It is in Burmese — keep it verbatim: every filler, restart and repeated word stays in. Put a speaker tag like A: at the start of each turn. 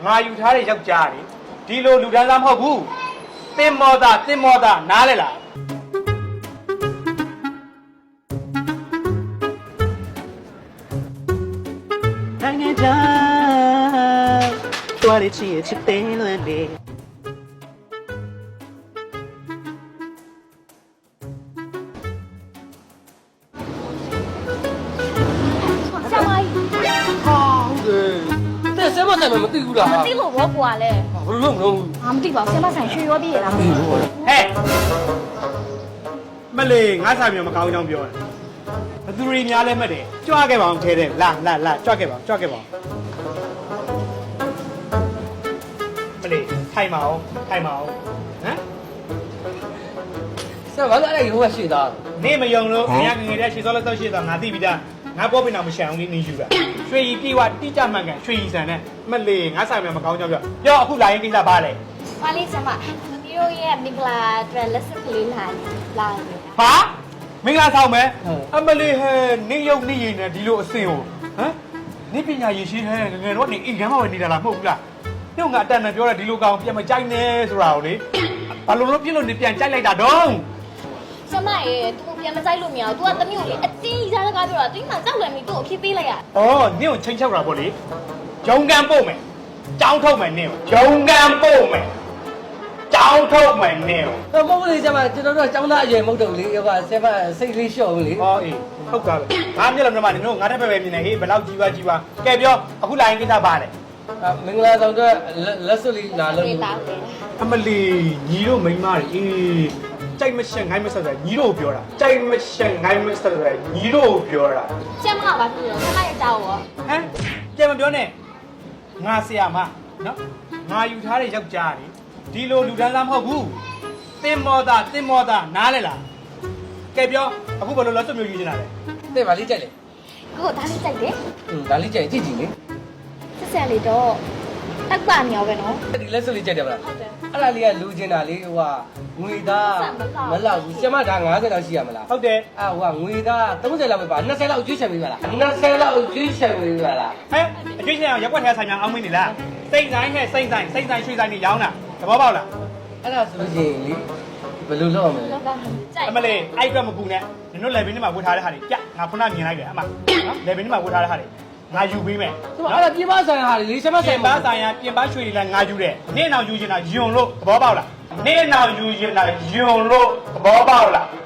A: ငါယူထားတဲ့ယောက်ျားလေဒီလိုလူတန်းစားမဟုတ်ဘူးတင်မောတာတင်မောတာနားလဲလား
B: နိုင်ငံခြားတော်ရချစ်ချစ်တယ်လို့လေ
C: ဆရာမကြီး
D: ဟာဟုတ်တယ်တဲ့ဆဲမဆိုင်မမသိဘူးလား
C: မသိလို့ဘောကွာလဲ
D: ဘယ်လိုလုပ်မလို့
C: ငါမသိပါဘူးဆရာမဆိုင်ရွှေရောပြည့်ရလားမသိဘူး
A: ဟဲ့မလေးငါစာမြေမကောင်းကြောင်းပြောတယ်ဘသူတွေများလဲမှတ်တယ်ကြွခဲ့ပါအောင်ထဲတယ်လာလာလာကြွခဲ့ပါအောင်ကြွခဲ့ပါအောင်မလေးထိုင်ပါအောင်ထိုင်ပါအောင်ဟမ်
D: ဆဲဘာလို့အဲ့ဒါဟိုကရှေ့သား
A: နေမယုံလို့ငါငငယ်တဲ့ရှေ့စောလက်တော့ရှေ့တော့ငါသိပြီးသားငါပေါ်ပင်တော့မရှံအောင်လေးနင်းယူတာရွှေရီပြေဝတိကျမှန်ကန်ရွှေရီဆန်နဲ့မလေးငါစာမြေမကောင်းကြောင်းပြောပြောအခုလာရင်ကိစ္စဘာလဲ
C: ပါလေးဆရာမသမီးတို့ရဲ့မင်္ဂလာအတွက်လက်စစ်ကလေးလာလာနေ
A: ဟာမင်္ဂလာဆောင်မယ်အမလေးဟဲနေရုပ်နေရည်နဲ့ဒီလိုအစင်ကိုဟမ်နေပညာရည်ရှိဟဲငငယ်တော့နေအိမ်ကမ်းမှာပဲနေတာလားမဟုတ်ဘူးလားညငါအတန်နဲ့ပြောတဲ့ဒီလိုကောင်ပြန်မကြိုက်နဲ့ဆိုတာကိုလေဘာလို့လို့ပြစ်လို့နေပြန်ကြိုက်လိုက်တာတော့
C: ဆရာမရဲ့သူ့ပြန်မကြိုက်လို့မရဘူး तू ကသမီးကိုလေအတင်းကြီးစားစကားပြောတာ तू မှကြောက်လွယ်ပြီးသူ့ကိုအဖြစ်ပေးလိုက်ရ
A: ။အော်နင့်ကိုချိန်ချောက်တာပေါ့လေ။ဂျုံကန်ပို့မယ်။ကြောင်းထုတ်မယ်နင့်ကို။ဂျုံကန်ပို့မယ်။ကြောင်းထုတ်မယ်နင့်ကို
D: တော့မဟုတ်လေဆဲမကျွန်တော်တို့ចောင်းသားအရွယ်မဟုတ်တော့လေဟိုကဆဲမစိတ်လေးလျှော့ဘူးလေ
A: ။အော်အေးဟုတ်တာပဲ။ငါမျက်လုံးထဲမှာနင်တို့ငါတက်ပဲပဲမြင်နေဟေးဘယ်လောက်ကြီးပါကြီးပါ။ကဲပြောအခုလာရင်ကိစ္စပါလေ
D: မင်္ဂလာဆောင်တော့လက်စွပ်လေးလာလို့
C: ပေးပါဦးလေ
A: ။အမလီညီတို့မိန်းမတွေအေးကြိုက်မရှက်ငိုင်းမဆက်ဆက်ညီတို့ပြောတာ။ကြိုက်မရှက်ငိုင်းမဆက်ဆက်ညီတို့ပြောတာ
C: ဆရာမကဘာပြောလဲဆရာမရဲ့ကြောက်ရော
A: ။ဟမ်ကြဲမပြောနဲ့။ငါဆရာမနော်။ငါယူထားတဲ့ယောက်ျားလေဒီလိုလူတန်းစားမဟုတ်ဘူး။တင်မောတာတင်မောတာနားလဲလား။ကဲပြောအခုဘယ်လိုလဲစွတ်မျိုးယူနေတာလဲ
D: တဲ့ဗာလေးကြိုက်လေ
C: ကိုဒါလေးကြိုက်တယ်
D: อืมဒါလေးကြိုက်ကြည့်ကြည့်လေ
C: ဆက်ဆက်လေးတော့တက်ပါနေရောပဲနော်
D: ဒီလက်စွပ်လေးကြိုက်တယ်ဗလား
C: ဟုတ်တယ်
D: အဲ့ဒါလေးကလူချင်းတာလေးဟိုကငွေသားမလောက်ဘူးဆဲမဒါငါးဆယ်လောက်ရှိရမလား
A: ဟုတ်တယ်
D: အာဟိုကငွေသားသုံးဆယ်လောက်ပဲပါနှစ်ဆယ်လောက်အကျွေးချင်ပေးပါလားနှစ်ဆယ်လောက်အကျွေးချင်ပေးပါလား
A: ဟဲ့အကျွေးချင်အောင်ရက်ွက်ထဲဆိုင်ညာအောင်မင်းနေလားစိတ်ဆိုင်ဟဲ့စိတ်ဆိုင်စိတ်ဆိုင်ရွှေဆိုင်နေရောင်းတာသဘောပေါက်လား
D: အဲ့ဒါဆိုလို့ရှိရင်လေဘယ်လိုလုပ်အောင်မလဲ
C: လောကကြိုက်
A: အမလေးအဲ့အတွက်မပူနဲ့နင်တို့လေဘင်းထဲမှာဝတ်ထားတဲ့ဟာတွေကြငါခုနမြင်လိုက်တယ်အမနော်လေဘင်းထဲမှာဝတ်ထားတဲ့ဟာတွေငါယူပေးမယ်
D: သူကအဲ့ဒါပြပဆိုင်ဟာလေဆဲမ
A: ပြ
D: ဆိုင်
A: င်
D: ပါ
A: ပန်းဆိုင်ရာပြင်ပန်းရွှေတွေလည်းငါယူတယ်နေ့နောက်ယူချင်တာယွန်လို့သဘောပေါက်လားနေ့နောက်ယူချင်တာယွန်လို့သဘောပေါက်လား